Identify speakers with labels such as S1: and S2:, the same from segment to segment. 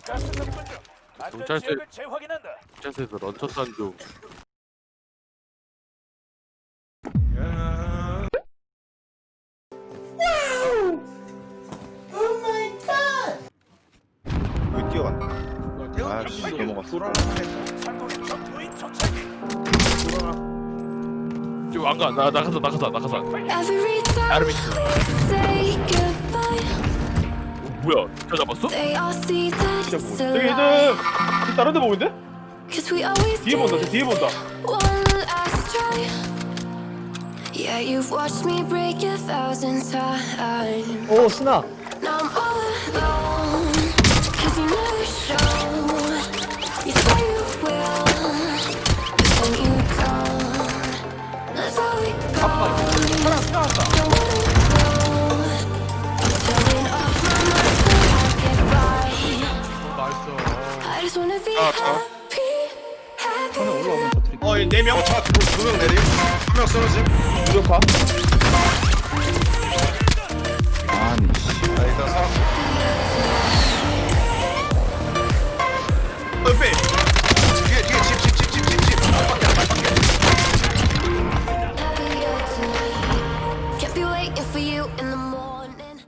S1: 가스 접근 중. 안전 지역을 재확인한다.
S2: 경찰서에서 런처 싼중.
S3: 여기 뛰어간다.
S4: 태훈
S3: 아, 씨, 넘어갔어.
S1: 상공의 적 무인 정찰기.
S2: 지금 안 가. 나가서.
S5: Every time
S2: 아르미.
S5: we say goodbye,
S2: 뭐야? 저 잡았어?
S5: they all see that it's a
S4: 저기
S5: lie.
S4: 애들 다른 데 보고 있는데?
S5: Cause we always
S4: 뒤에 본다,
S5: give
S4: 뒤에 본다.
S5: one last try. Yeah, you've watched me break 1,000 times.
S6: 오 신아.
S5: Now I'm all alone. Cause you never show. You say you will, but then you don't. That's how it goes. Don't wanna go. I'm turning off my mind so I get by. I just wanna be happy, happy.
S4: 어, 얘 4명.
S3: 두명 내림. 한 명 쓰러짐.
S4: 무력화.
S3: 아니 씨. 아 일단 사람.
S4: 옆에.
S3: 뒤에 집. 밖에 안 밖에.
S5: Happier tonight. Can't be waiting for you in the morning.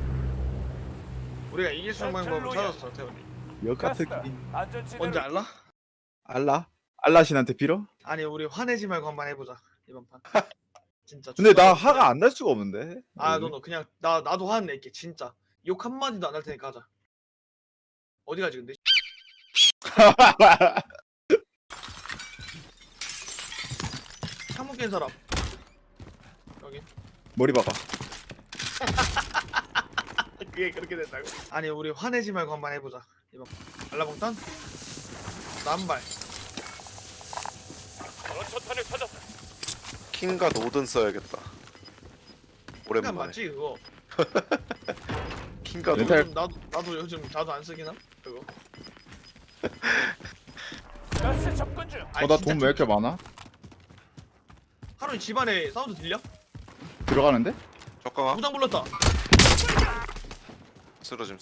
S4: 우리가 이길 수 있는 방법을 찾았어, 태훈이.
S3: 역같은
S1: 가스다. 안전 지대로
S4: 뭔지 알라?
S3: 알라? 알라신한테 빌어?
S4: 아니, 우리 화내지 말고 한번 해보자, 이번 판. 진짜.
S3: 근데 나
S4: 축하해.
S3: 화가 안 날 수가 없는데.
S4: 아, 너 그냥 나도 화는 낼게, 진짜. 욕 한마디도 안 할 테니까 하자. 어디 가지 근데? 창문 깬 사람. 여기.
S3: 머리 박아.
S4: 그게 그렇게 된다고? 아니, 우리 화내지 말고 한번 해보자, 이번 판. 알라봉탄? 남발.
S1: 런처탄을 찾았다.
S7: 킹과 노든 써야겠다.
S4: 그냥
S7: 오랜만에.
S4: 맞지 그거.
S7: 킹과
S3: 렌탈.
S7: 노든.
S4: 나도 요즘 자주 안 쓰긴 함 그거.
S1: 가스 접근 중.
S4: 아니,
S3: 나
S4: 진짜
S3: 돈 왜 이렇게 많아?
S4: 하루 집안에 사운드 들려?
S3: 들어가는데?
S7: 적강아.
S4: 무장 불렀다.
S7: 쓰러짐.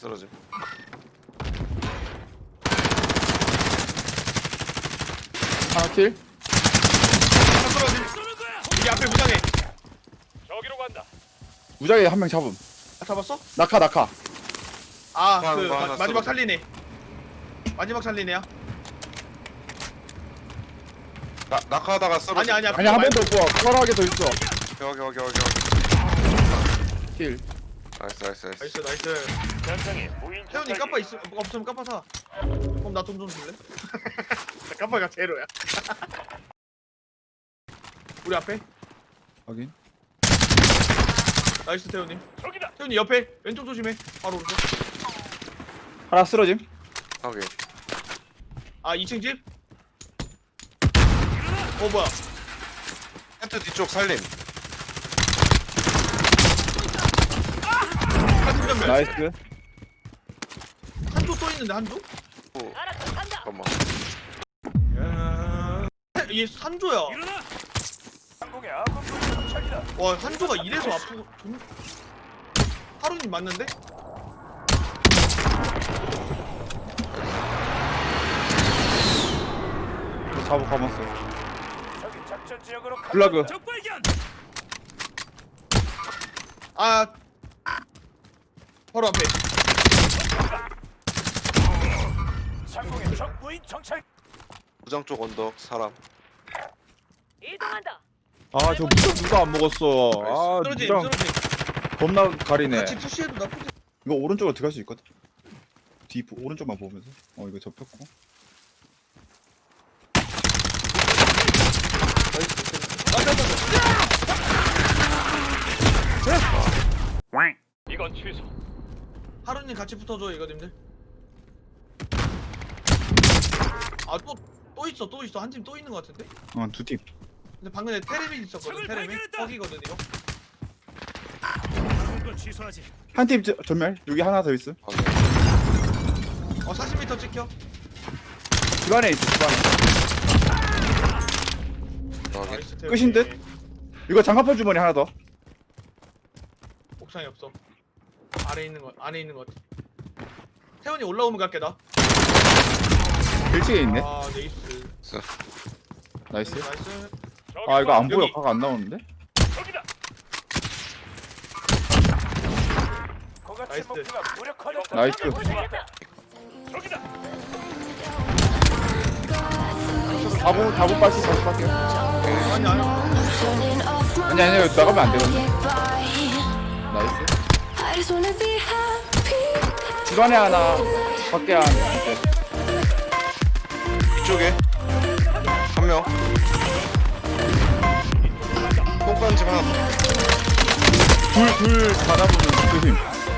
S3: 하나 킬?
S4: 하나 떨어짐. 여기 앞에 무장해.
S1: 저기로 간다.
S3: 무작위 한 명 잡음.
S4: 아, 잡았어?
S3: 낙하.
S4: 아,
S7: 하나,
S4: 그
S7: 하나
S4: 마지막
S7: 쓰러짐.
S4: 살리네. 마지막 살리네야.
S7: 낙하하다가 쓰러짐.
S4: 아니야.
S3: 아니 한 명 더 구워. 털하게 더 있어.
S7: 여기.
S3: 킬.
S7: 나이스.
S4: 나이스.
S1: 전장에 무인
S4: 태훈이
S1: 정찰기.
S4: 까빠 없으면 까빠 사. 그럼 나 돈 좀 줄래? 나 까빠가 제로야. 우리 앞에.
S3: 확인.
S4: 나이스 태훈이.
S1: 저기다.
S4: 태훈이 옆에 왼쪽 조심해. 바로 오른쪽.
S3: 하나 쓰러짐.
S7: 확인.
S4: 아, 2층 집. 뭐야?
S7: 텐트 뒤쪽 살림.
S4: 한쪽 전멸.
S3: 나이스.
S4: 한쪽 또 있는데 한쪽?
S7: 오. 잠깐만.
S4: 얘 한조야.
S1: 일어나. 상공의 아군 무인 정찰기다.
S4: 와, 한조가 이래서 아프고 하루님 맞는데?
S3: 잡아 감았어.
S1: 저기 작전 지역으로 간다.
S3: 플러그.
S1: 적발견.
S4: 아, 바로 앞에.
S1: 상공의 적 무인 정찰.
S7: 부장 쪽 언덕 사람.
S1: 이동한다.
S3: 아 저 무적 누가 안 먹었어. 아
S4: 쓰러짐.
S3: 무장 겁나 가리네.
S4: 같이 푸시해도 나쁘지.
S3: 이거 오른쪽으로 들어갈 수 있거든. 뒤 오른쪽만 보면서. 이거 접혔고.
S1: 이건 취소.
S4: 하루님 같이 붙어줘 이거님들. 아, 또 있어. 한 팀 또 있는 것 같은데?
S3: 두 팀.
S4: 근데 방금 전에 테레미 있었거든.
S1: 적을
S4: 테레미.
S1: 발견했다!
S4: 거기거든 이거.
S1: 이건 취소하지.
S3: 한 팀 전멸. 여기 하나 더 있어.
S7: 확인.
S4: 40m 찍혀.
S3: 집안에 있어. 집안에.
S7: 확인.
S4: 나이스 태훈이.
S3: 끝인 듯? 이거 장갑판 주머니 하나 더.
S4: 옥상에 없어. 안에 있는 거 같아. 태훈이 올라오면 갈게 나.
S3: 1층에 있네.
S4: 아 네이스.
S3: 나이스.
S4: 나이스.
S3: 아 이거 안 보여.
S4: 여기.
S3: 각 안 나오는데?
S1: 저기다. 거같이
S4: 나이스.
S1: 목표가 무력화됐다.
S3: 나이스.
S1: 저기다.
S3: 4분 빠지 다시 갈게요.
S4: 아니 아니.
S5: Turning off my
S3: 아니 여기 나가면 안 되거든.
S5: get by.
S3: 나이스.
S5: I just wanna be happy.
S3: 집안에 하나, 밖에 하나. 네.
S7: 이쪽에 한 명. 똥간 집 하나.
S3: 둘 받아보면 조심.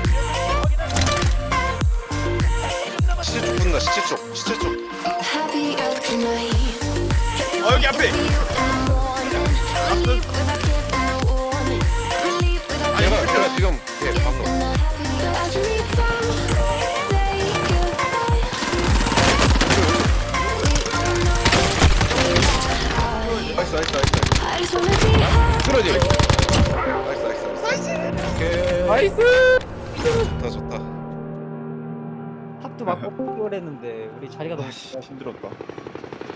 S7: 시체 쪽 붙는다. 시체 쪽. 시체 쪽.
S5: Happier tonight.
S4: 여기 앞에.
S5: Relief without giving a warning. Relief without
S7: 얘가 지금 방금.
S5: I just need time to say goodbye.
S7: 나이스.
S5: I just wanna be happy.
S3: 쓰러지.
S7: 나이스. 오케이.
S3: 나이스.
S7: 좋다.
S6: 탑도 막 뽑고 그랬는데 우리 자리가 너무
S3: 힘들었다.